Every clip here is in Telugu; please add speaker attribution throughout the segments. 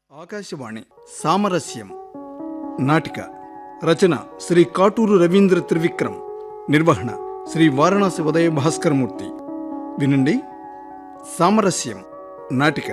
Speaker 1: ఆకాశవాణి సామరస్యం నాటిక రచన శ్రీ కాటూరు రవీంద్ర త్రివిక్రమ్, నిర్వహణ శ్రీ వారణాసి ఉదయ భాస్కరమూర్తి. వినండి. సామరస్యం నాటిక.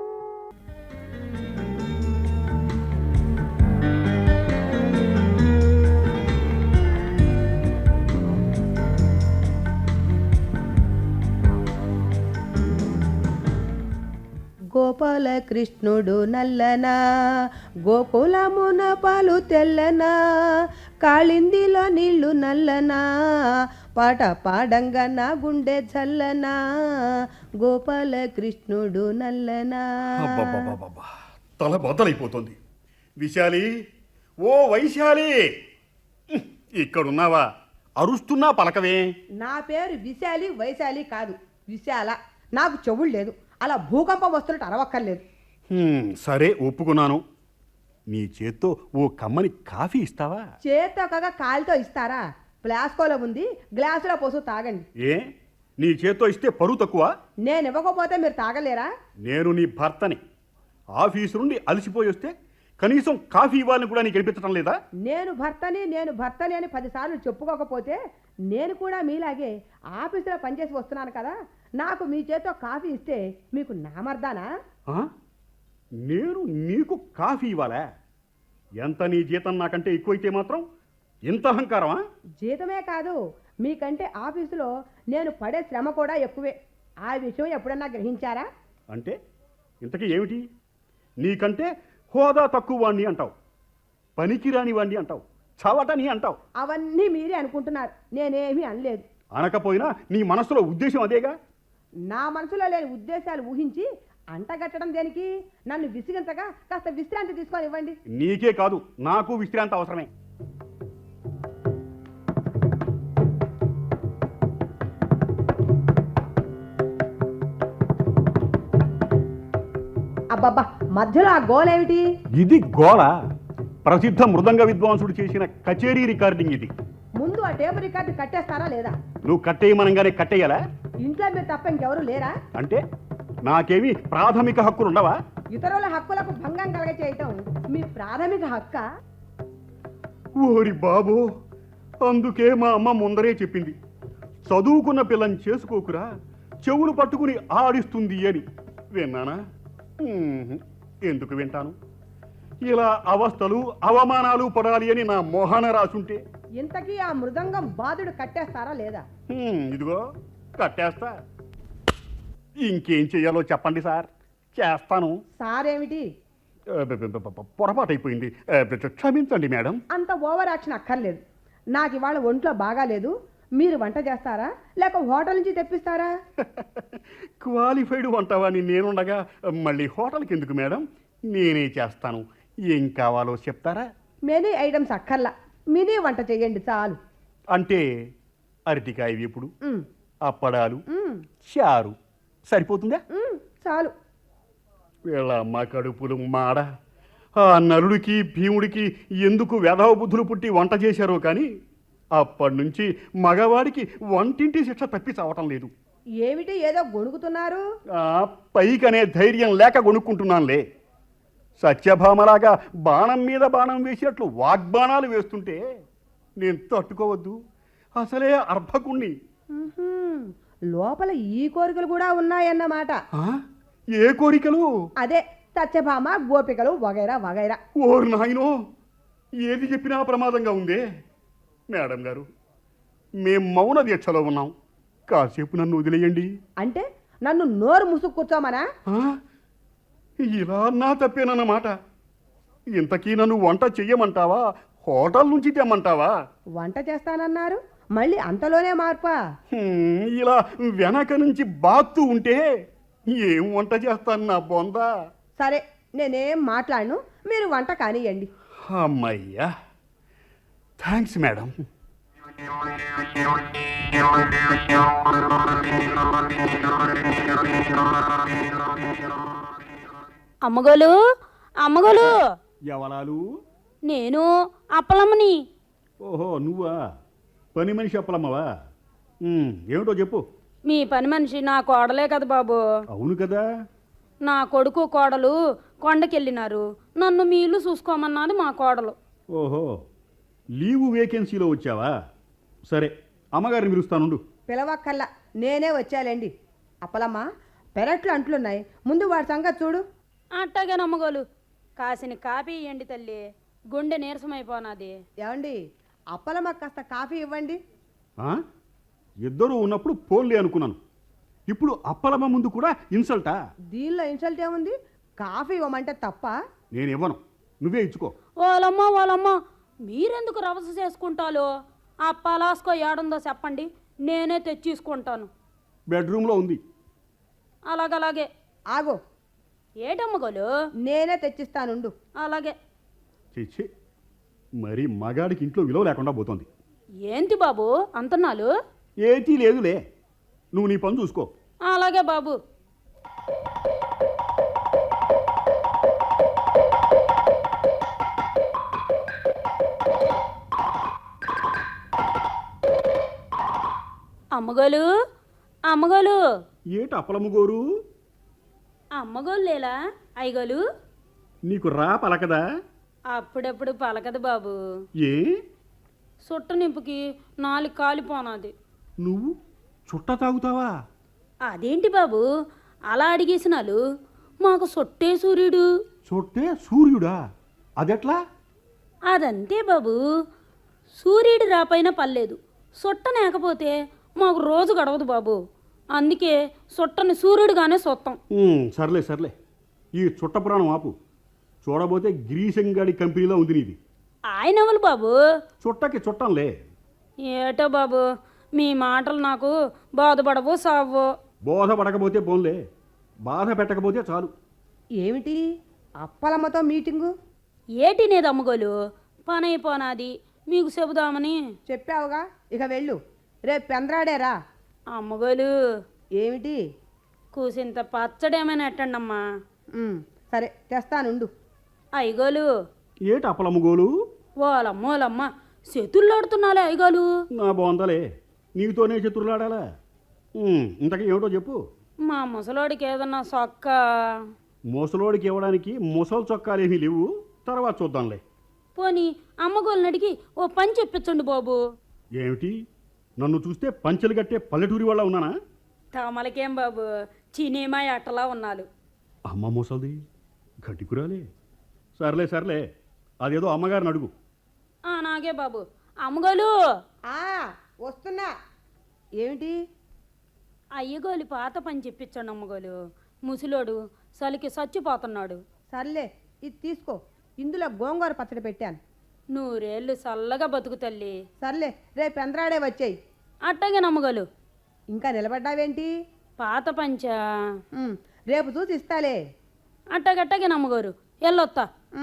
Speaker 2: గోపాలకృష్ణుడు నల్లనా, గోకులమున పాలు తెల్లనా, కాళిందిలో నీళ్లు నల్లనా, పాట పాడంగా నా గుండె చల్లనా, గోపాలకృష్ణుడు నల్లనా.
Speaker 3: తల బద్దలైపోతుంది. విశాలి, ఓ వైశాలి, ఇక్కడున్నావా? అరుస్తున్నా పలకవే.
Speaker 2: నా పేరు విశాలి, వైశాలి కాదు, విశాల. నాకు చెవులు లేదు, అలా భూకంపం వస్తున్నట్టు అరవక్కర్లేదు.
Speaker 3: సరే, ఒప్పుకున్నాను. నీ చేత్తో ఓ కమ్మని కాఫీ ఇస్తావా?
Speaker 2: చేత్తో కాగా కాలితో ఇస్తారా? ప్లాస్కోలో ఉంది, గ్లాసులో పోసు తాగండి.
Speaker 3: ఏ, నీ చేత్తో ఇస్తే పరువు తక్కువ?
Speaker 2: నేను ఇవ్వకపోతే మీరు తాగలేరా?
Speaker 3: నేను నీ భర్తని. ఆఫీసు నుండి అలసిపోయి వస్తే కనీసం కాఫీ ఇవ్వాలని కూడా నీకు అనిపించడం లేదా?
Speaker 2: నేను భర్తని అని 10 సార్లు చెప్పుకోకపోతే నేను కూడా మీలాగే ఆఫీసులో పనిచేసి వస్తున్నాను కదా. నాకు మీ చేతితో కాఫీ ఇస్తే మీకు నామర్దానా?
Speaker 3: నేను నీకు కాఫీ ఇవ్వాలా? ఎంత నీ జీతం నాకంటే ఎక్కువైతే మాత్రం ఇంత అహంకారమా?
Speaker 2: జీతమే కాదు, మీకంటే ఆఫీసులో నేను పడే శ్రమ కూడా ఎక్కువే. ఆ విషయం ఎప్పుడన్నా గ్రహించారా?
Speaker 3: అంటే ఇంతకీ ఏమిటి? నీకంటే హోదా తక్కువ వాణ్ణి అంటావు, పనికిరాని వాణ్ణి అంటావు, చవటని అంటావు.
Speaker 2: అవన్నీ మీరే అనుకుంటున్నారు, నేనేమీ అనలేదు.
Speaker 3: అనకపోయినా నీ మనసులో ఉద్దేశం అదేగా.
Speaker 2: నా మనసులో లేని ఉద్దేశాలు ఊహించి అంటగట్టడం దేనికి? నన్ను విసిగించగా కాస్త విశ్రాంతి తీసుకొని ఇవ్వండి.
Speaker 3: నీకే కాదు, నాకు విశ్రాంతి అవసరమే.
Speaker 2: అబ్బబ్బా, మధ్యలో ఆ గోలేమిటి?
Speaker 3: ఇది గోళ. ప్రసిద్ధ మృదంగ విద్వాంసుడు చేసిన కచేరీ రికార్డింగ్ ఇది.
Speaker 2: ముందు ఆ టేబుల్ రికార్డు కట్టేస్తారా లేదా?
Speaker 3: నువ్వు కట్టేయమనంగానే కట్టేయాలా?
Speaker 2: ఇంట్లో మీరు తప్ప ఇంకెవరు లేరా?
Speaker 3: అంటే నాకేమి ప్రాథమిక హక్కులు ఉండవా?
Speaker 2: ఇతరుల హక్కులకు భంగం కలగ చేయటం మీ ప్రాథమిక హక్క?
Speaker 3: ఓరి బాబో, అందుకే మా అమ్మ ముందరే చెప్పింది, చదువుకున్న పిల్లని చేసుకోకురా, చెవులు పట్టుకుని ఆడిస్తుంది అని. విన్నానా? ఎందుకు వింటాను? ఇలా అవస్థలు అవమానాలు పడాలి అని నా మోహన రాసుంటే.
Speaker 2: ఇంతకీ ఆ మృదంగం బాధుడు కట్టేస్తారా లేదా?
Speaker 3: ఇదిగో కట్టేస్తా. ఇంకేం చెయ్యాలో చెప్పండి సార్, చేస్తాను.
Speaker 2: సారేమిటి?
Speaker 3: పొరపాటైపోయింది, క్షమించండి మేడం.
Speaker 2: అంత ఓవర్ యాక్షన్ అక్కర్లేదు. నాకు ఇవాళ ఒంట్లో బాగాలేదు. మీరు వంట చేస్తారా లేక హోటల్ నుంచి తెప్పిస్తారా?
Speaker 3: క్వాలిఫైడ్ వంటవాని నేనుండగా మళ్ళీ హోటల్కి ఎందుకు మేడం? నేనే చేస్తాను. ఏం కావాలో చెప్తారా?
Speaker 2: మెనీ ఐటమ్స్ అక్కర్లా, మినీ వంట చేయండి చాలు.
Speaker 3: అంటే అరటికాయ వేపుడు, అప్పడాలు, చారు సరిపోతుందా?
Speaker 2: చాలు.
Speaker 3: వీళ్ళమ్మ కడుపులు మాడ. ఆ నలుడికి భీముడికి ఎందుకు వెధవ బుద్ధులు పుట్టి వంట చేశారో కానీ అప్పటి నుంచి మగవాడికి వంటింటి శిక్ష తప్పి చావటం లేదు.
Speaker 2: ఏమిటి ఏదో గొణుకుతున్నారు?
Speaker 3: పైకనే ధైర్యం లేక గొణుక్కుంటున్నానులే. సత్యభామలాగా బాణం మీద బాణం వేసినట్లు వాగ్బాణాలు వేస్తుంటే నేను తట్టుకోవద్దు. అసలే అర్భకుణ్ణి.
Speaker 2: లోపల ఈ కోరికలు కూడా ఉన్నాయన్నమాట.
Speaker 3: ఏ కోరికలు?
Speaker 2: అదే సత్యభామ, గోపికలు వగైరా వగైరా.
Speaker 3: ఓరు నాయనో, ఏది చెప్పినా ప్రమాదంగా ఉందే. మేడం గారు, మేం మౌన దీక్షలో ఉన్నాం, కాసేపు నన్ను వదిలేయండి.
Speaker 2: అంటే నన్ను నోరు ముసుగు కూర్చోమనా?
Speaker 3: ఇలా నా తప్పేనన్నమాట. ఇంతకీ నన్ను వంట చెయ్యమంటావా, హోటల్ నుంచి తెమ్మంటావా?
Speaker 2: వంట చేస్తానన్నారు, మళ్ళీ అంతలోనే మార్పా?
Speaker 3: ఇలా వెనక నుంచి బాత్తు ఉంటే ఏం వంట చేస్తాను నా బొందా?
Speaker 2: సరే, నేనేం మాట్లాడను, మీరు వంట కానియండి.
Speaker 3: అమ్మయ్యా, థ్యాంక్స్ మేడం.
Speaker 4: అమ్మగోలు, అమ్మగోలు.
Speaker 3: ఎవరాలు?
Speaker 4: నేను అప్పలమ్మని.
Speaker 3: ఓహో, నువ్వా? పని మనిషి అప్పలమ్మవా? ఏమిటో చెప్పు.
Speaker 4: మీ పని మనిషి నా కోడలే కదా బాబు.
Speaker 3: అవును కదా,
Speaker 4: నా కొడుకు కోడలు కొండకెళ్ళినారు, నన్ను మీ ఇల్లు చూసుకోమన్నది మా కోడలు.
Speaker 3: ఓహో, లీవు వేకెన్సీలో వచ్చావా? సరే, అమ్మగారిని పిలుస్తానుండు.
Speaker 2: పిలవక్కల్లా, నేనే వచ్చాలేండి. అప్పలమ్మ, పెరట్లు అంట్లున్నాయి, ముందు వాడి సంగతి చూడు.
Speaker 4: అట్టాగే నమ్మగోలు, కాసిన కాపీ ఇయ్యండి తల్లి, గుండె నీరసమైపోనాది.
Speaker 2: ఏమండి, అప్పలమ్మ కాస్త కాఫీ ఇవ్వండి.
Speaker 3: ఆ? ఇద్దరూ ఉన్నప్పుడు పోన్లే అనుకున్నాను. ఇప్పుడు అప్పలమ్మ ముందు కూడా ఇన్సల్టా?
Speaker 2: దీనిలో ఇన్సల్ట్ ఏముంది? కాఫీ ఇవ్వమంటే తప్ప?
Speaker 3: నేను ఇవ్వను, నువ్వే ఇచ్చుకో.
Speaker 4: వాళ్ళమ్మ, మీరెందుకు రవస చేసుకుంటాలో? ఆ పలాస్కో ఏడుందో చెప్పండి, నేనే తెచ్చేసుకుంటాను.
Speaker 3: బెడ్రూమ్లో ఉంది.
Speaker 4: అలాగలాగే.
Speaker 2: ఆగో,
Speaker 4: ఏటమ్మగోలు?
Speaker 2: నేనే తెచ్చిస్తానుండు.
Speaker 4: అలాగే.
Speaker 3: చిచ్చి, మరి మగాడికి ఇంట్లో విలువ లేకుండా పోతుంది.
Speaker 4: ఏంటి బాబు అంతన్నాలు?
Speaker 3: ఏతీ లేదులే, నువ్వు నీ పని చూసుకో.
Speaker 4: అలాగే బాబు. అమ్మగోలు
Speaker 3: ఏటి అప్పలమ్మ గోరు?
Speaker 4: అమ్మగోలు లేలా అయ్యగోలు?
Speaker 3: నీకు రా పలకదా?
Speaker 4: అప్పుడప్పుడు పలకదు బాబు.
Speaker 3: ఏ?
Speaker 4: సుట్ట నింపుకి 4 కాలిపోనాది.
Speaker 3: నువ్వు చుట్ట తాగుతావా?
Speaker 4: అదేంటి బాబు అలా అడిగేసినాలు? మాకు సొట్టే సూర్యుడు.
Speaker 3: చుట్టే సూర్యుడా? అదెట్లా?
Speaker 4: అదంతే బాబు, సూర్యుడు రాపైన పర్లేదు, సొట్ట లేకపోతే మాకు రోజు గడవదు బాబు. అందుకే సొట్టని సూర్యుడుగానే సొత్తం.
Speaker 3: సర్లే సర్లే, ఈ చుట్ట పురాణం ఆపు. చూడబోతే గిరీశంగాడి కంపెనీలో ఉంది నీది.
Speaker 4: ఆయన ఎవరు బాబు?
Speaker 3: చుట్టకి చుట్టంలే.
Speaker 4: ఏటో బాబు, మీ మాటలు నాకు బాధపడవు సావు.
Speaker 3: బోధపడకపోతే పోన్లే, బాధ పెట్టకపోతే చాలు.
Speaker 2: ఏమిటి అప్పలమ్మతో మీటింగు?
Speaker 4: ఏటినేది అమ్మగోలు, పని అయిపోనాది, మీకు చెబుదామని.
Speaker 2: చెప్పావుగా, ఇక వెళ్ళు. రేపు పెందరాడేరా.
Speaker 4: అమ్మగోలు,
Speaker 2: ఏమిటి?
Speaker 4: కూసింత పచ్చడేమైనా ఎట్టండమ్మా.
Speaker 2: సరే తెస్తానుండు.
Speaker 4: అయ్యగోలు.
Speaker 3: ఏటి అప్పలమ్మ గోలు?
Speaker 4: ఓలమ్మోలమ్మ, చేతుల్లాడుతున్నాలే అయ్యగోలు.
Speaker 3: నా బాగుందలే, నీతోనే చతురులాడాలా? ఇంతకీ ఏమిటో చెప్పు.
Speaker 4: మా ముసలోడికి ఏదన్నా సొక్క.
Speaker 3: ముసలోడికి ఇవ్వడానికి ముసలి చొక్కాలేమీ లేవు, తర్వాత చూద్దాంలే.
Speaker 4: పోనీ అమ్మగోళ్ళని అడిగి ఓ పని చెప్పించండి బాబు.
Speaker 3: ఏమిటి, నన్ను చూస్తే పంచెలు కట్టే పల్లెటూరి వాళ్ళ ఉన్నానా?
Speaker 4: తమలకేం బాబు, చినేమా అట్టలా ఉన్నాలు.
Speaker 3: అమ్మ ముసలిది గడ్డికురాలే. సర్లే సర్లే, అదేదో అమ్మగారిని అడుగు.
Speaker 4: నాగే బాబు. అమ్మగోలు.
Speaker 2: వస్తున్నా. ఏమిటి?
Speaker 4: అయ్యగోలు పాత పని చెప్పించండి అమ్మగోలు. ముసలోడు చలికి చచ్చిపోతున్నాడు.
Speaker 2: సర్లే, ఇది తీసుకో. ఇందులో గోంగూర పచ్చడి పెట్టాను.
Speaker 4: 100 ఏళ్ళు చల్లగా బతుకు తల్లి.
Speaker 2: సర్లే, రేపు పెందరాడే వచ్చేయి.
Speaker 4: అట్టగే నమ్మగోలు.
Speaker 2: ఇంకా నిలబడ్డావేంటి?
Speaker 4: పాత పంచా
Speaker 2: రేపు చూసి ఇస్తాలే.
Speaker 4: అట్టగట్టగే నమ్మగోరు, ఎల్లొత్తా.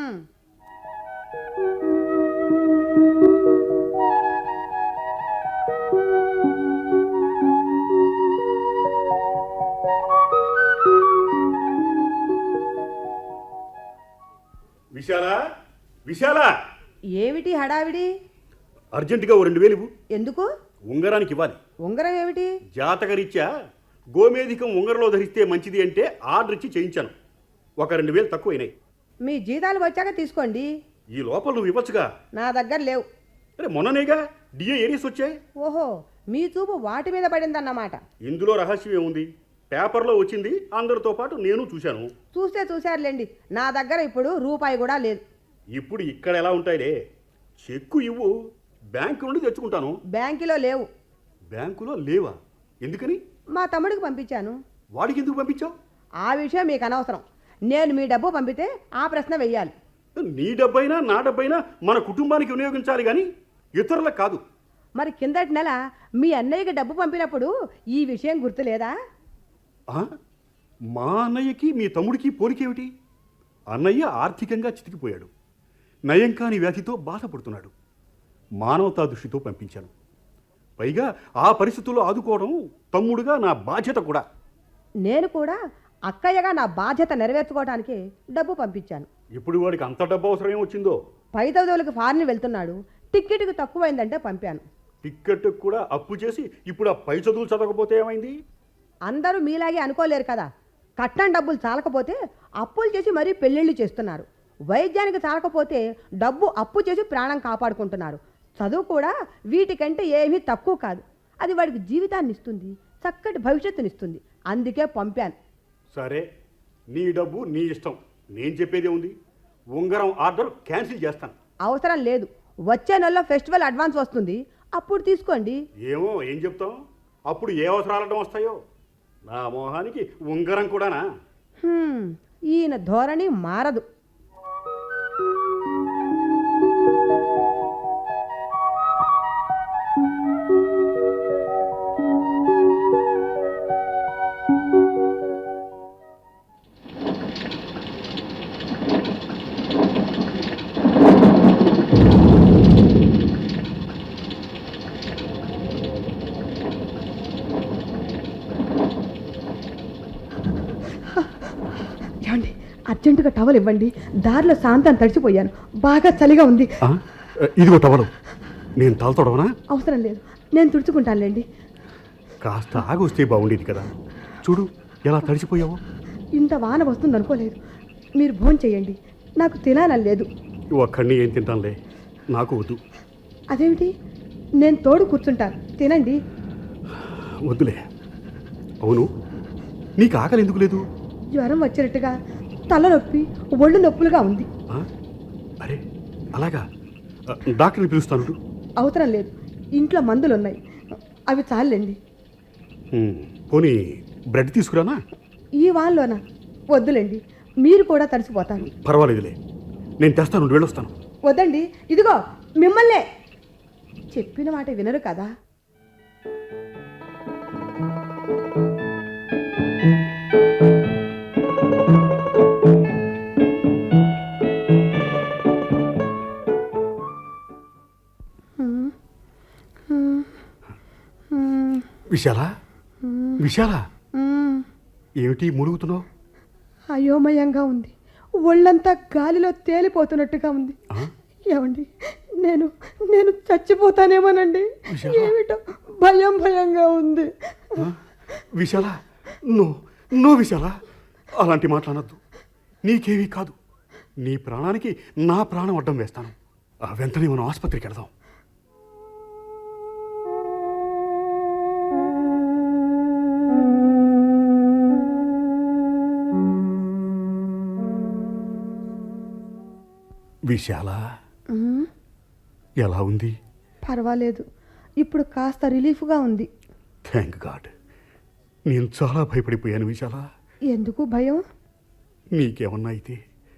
Speaker 3: విశాలా, విశాలా,
Speaker 2: ఏమిటి హడావిడి?
Speaker 3: అర్జెంటుగా ఓ 2000 ఇవ్వు.
Speaker 2: ఎందుకు?
Speaker 3: ఉంగరానికి ఇవ్వాలి.
Speaker 2: ఉంగరం ఏమిటి?
Speaker 3: జాతకరీత్యా గోమేధికం ఉంగరంలో ధరిస్తే మంచిది అంటే ఆర్డర్ ఇచ్చి చేయించాను. ఒక 2000 తక్కువైనాయి.
Speaker 2: మీ జీతాలు వచ్చాక తీసుకోండి.
Speaker 3: ఈ లోపల నువ్వు ఇవ్వచ్చుగా.
Speaker 2: నా దగ్గర లేవు.
Speaker 3: అరే మొన్ననేగా డిఏ ఏరియస్ వచ్చాయి.
Speaker 2: ఓహో, మీ చూపు వాటి మీద పడిందన్నమాట.
Speaker 3: ఇందులో రహస్యం ఏముంది? పేపర్లో వచ్చింది, అందరితో పాటు నేను చూశాను.
Speaker 2: చూశారులేండి. నా దగ్గర ఇప్పుడు రూపాయి కూడా లేదు.
Speaker 3: ఇప్పుడు ఇక్కడ ఎలా ఉంటాయిలే. చెక్కు ఇవ్వు, బ్యాంకు నుండి తెచ్చుకుంటాను.
Speaker 2: బ్యాంకులో లేవు.
Speaker 3: బ్యాంకులో లేవా? ఎందుకని?
Speaker 2: మా తమ్ముడికి పంపించాను.
Speaker 3: వాడికి ఎందుకు పంపించావు?
Speaker 2: ఆ విషయం మీకు అనవసరం. నేను మీ డబ్బు పంపితే ఆ ప్రశ్న వెయ్యాలి.
Speaker 3: నీ డబ్బైనా నా డబ్బైనా మన కుటుంబానికి వినియోగించాలి కానీ ఇతరులకు కాదు.
Speaker 2: మరి కిందటి నెల మీ అన్నయ్యకి డబ్బు పంపినప్పుడు ఈ విషయం గుర్తులేదా?
Speaker 3: మా అన్నయ్యకి మీ తమ్ముడికి పోలికేమిటి? అన్నయ్య ఆర్థికంగా చితికిపోయాడు, నయం కాని వ్యాధితో బాధపడుతున్నాడు. మానవతా దృష్టితో పంపించాను. పైగా ఆ పరిస్థితుల్లో ఆదుకోవడం తమ్ముడుగా నా బాధ్యత కూడా.
Speaker 2: నేను కూడా అక్కయ్యగా నా బాధ్యత నెరవేర్చుకోవడానికి డబ్బు పంపించాను.
Speaker 3: ఇప్పుడు వాడికి అంత డబ్బు అవసరం ఏమొచ్చిందో?
Speaker 2: పై చదువులకు ఫారిన్ వెళ్తున్నాడు, టిక్కెట్కి తక్కువైందంటే పంపాను.
Speaker 3: టిక్కెట్ కూడా అప్పు చేసి ఇప్పుడు ఆ పై చదువులు చదవకపోతే ఏమైంది?
Speaker 2: అందరూ మీలాగే అనుకోలేరు కదా. కట్నం డబ్బులు చాలకపోతే అప్పులు చేసి మరీ పెళ్ళిళ్ళు చేస్తున్నారు. వైద్యానికి చాలకపోతే డబ్బు అప్పు చేసి ప్రాణం కాపాడుకుంటున్నారు. చదువు కూడా వీటికంటే ఏమీ తక్కువ కాదు. అది వాడికి జీవితాన్ని ఇస్తుంది, చక్కటి భవిష్యత్తునిస్తుంది. అందుకే పంపాను.
Speaker 3: సరే, నీ డబ్బు నీ ఇష్టం. నేను చెప్పేదే ఉంది. ఉంగరం ఆర్డర్ క్యాన్సిల్ చేస్తాను.
Speaker 2: అవసరం లేదు. వచ్చే నెలలో ఫెస్టివల్ అడ్వాన్స్ వస్తుంది, అప్పుడు తీసుకోండి.
Speaker 3: ఏమో ఏం చెప్తాం? అప్పుడు ఏ అవసరాలడం వస్తాయో. నా మోహానికి ఉంగరం కూడానా?
Speaker 2: ఈయన ధోరణి మారదు. ఏమండి, అర్జెంటుగా టవల్ ఇవ్వండి. దారిలో శాంతాన్ని తడిచిపోయాను, బాగా చలిగా ఉంది.
Speaker 3: ఇదిగో టవలు. నేను తలతోడవనా?
Speaker 2: అవసరం లేదు, నేను తుడుచుకుంటానులేండి.
Speaker 3: కాస్త ఆగొస్తే బాగుండేది కదా. చూడు ఎలా తడిచిపోయావో.
Speaker 2: ఇంత వాన వస్తుంది అనుకోలేదు. మీరు భోజనం చేయండి, నాకు తినాలని లేదు.
Speaker 3: ఒక్కడిని ఏం తింటానులే, నాకు వద్దు.
Speaker 2: అదేమిటి, నేను తోడు కూర్చుంటాను, తినండి.
Speaker 3: వద్దులే. అవును, నీకు ఆకలి ఎందుకు లేదు?
Speaker 2: జ్వరం వచ్చినట్టుగా తలనొప్పి, ఒళ్ళు నొప్పులుగా ఉంది.
Speaker 3: అరే అలాగా? డాక్టర్ని పిలుస్తాను.
Speaker 2: అవసరం లేదు, ఇంట్లో మందులు ఉన్నాయి, అవి చాలండి.
Speaker 3: పోనీ బ్రెడ్ తీసుకురానా?
Speaker 2: ఈ వాన్లోనా? వద్దులేండి, మీరు కూడా తడిసిపోతారు.
Speaker 3: పర్వాలేదులే, నేను తెస్తాను. వెళ్ళొస్తాను.
Speaker 2: వద్దండి, ఇదిగో మిమ్మల్నే. చెప్పిన మాట వినరు కదా.
Speaker 3: విశాల, విశాల, ఏమిటి మునుగుతున్నావు?
Speaker 2: అయోమయంగా ఉంది, ఒళ్ళంతా గాలిలో తేలిపోతున్నట్టుగా ఉంది. ఏమండి, నేను నేను చచ్చిపోతానేమోనండి. ఏమిటో భయం భయంగా ఉంది.
Speaker 3: విశాల, నో విశాల, అలాంటి మాట్లాడద్దు. నీకేమీ కాదు. నీ ప్రాణానికి నా ప్రాణం అడ్డం వేస్తాను. వెంటనే మనం ఆసుపత్రికి వెళదాం. విశాల, ఎలా ఉంది?
Speaker 2: పర్వాలేదు, ఇప్పుడు కాస్త రిలీఫ్గా ఉంది.
Speaker 3: Thank God. నేను చాలా భయపడిపోయాను విశాల.
Speaker 2: ఎందుకు భయం?
Speaker 3: నీకేమన్నా అయితే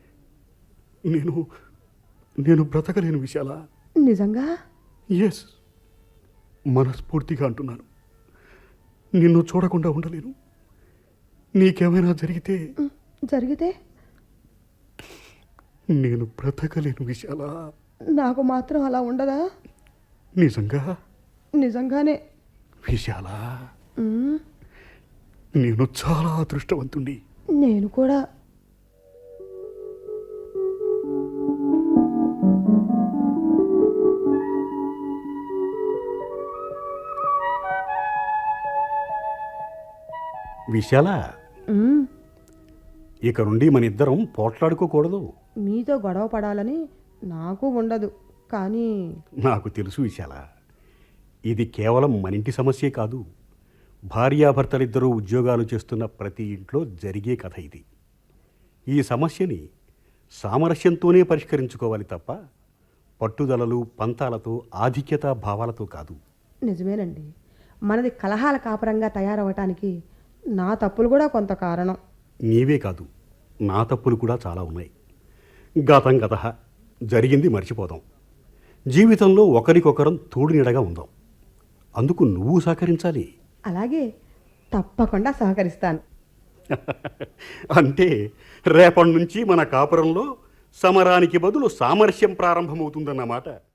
Speaker 3: నేను బ్రతకలేను విశాల.
Speaker 2: నిజంగా?
Speaker 3: ఎస్, మనస్ఫూర్తిగా అంటున్నాను. నిన్ను చూడకుండా ఉండలేను. నీకేమైనా జరిగితే నేను బ్రతకలేను విశాల.
Speaker 2: నాకు మాత్రం అలా ఉండదా? నిజంగానే
Speaker 3: విశాల, నేను చాలా అదృష్టవంతుణ్ణి.
Speaker 2: నేను కూడా.
Speaker 3: విశాల, ఇక నుండి మన ఇద్దరం పోట్లాడుకోకూడదు.
Speaker 2: మీతో గొడవ పడాలని నాకు ఉండదు, కానీ
Speaker 3: నాకు తెలుసు విశాల, ఇది కేవలం మన ఇంటి సమస్యే కాదు. భార్యాభర్తలిద్దరూ ఉద్యోగాలు చేస్తున్న ప్రతి ఇంట్లో జరిగే కథ ఇది. ఈ సమస్యని సామరస్యంతోనే పరిష్కరించుకోవాలి తప్ప పట్టుదలలు, పంతాలతో, ఆధిక్యతా భావాలతో కాదు.
Speaker 2: నిజమేనండి, మనది కలహాల కాపురంగా తయారవటానికి నా తప్పులు కూడా కొంత కారణం.
Speaker 3: నీవే కాదు, నా తప్పులు కూడా చాలా ఉన్నాయి. గతం గతః, జరిగింది మర్చిపోదాం. జీవితంలో ఒకరికొకరం తోడు నీడగా ఉందాం. అందుకు నువ్వు సహకరించాలి.
Speaker 2: అలాగే, తప్పకుండా సహకరిస్తాను.
Speaker 3: అంటే రేపటి నుంచి మన కాపురంలో సమరానికి బదులు సామరస్యం ప్రారంభమవుతుందన్నమాట.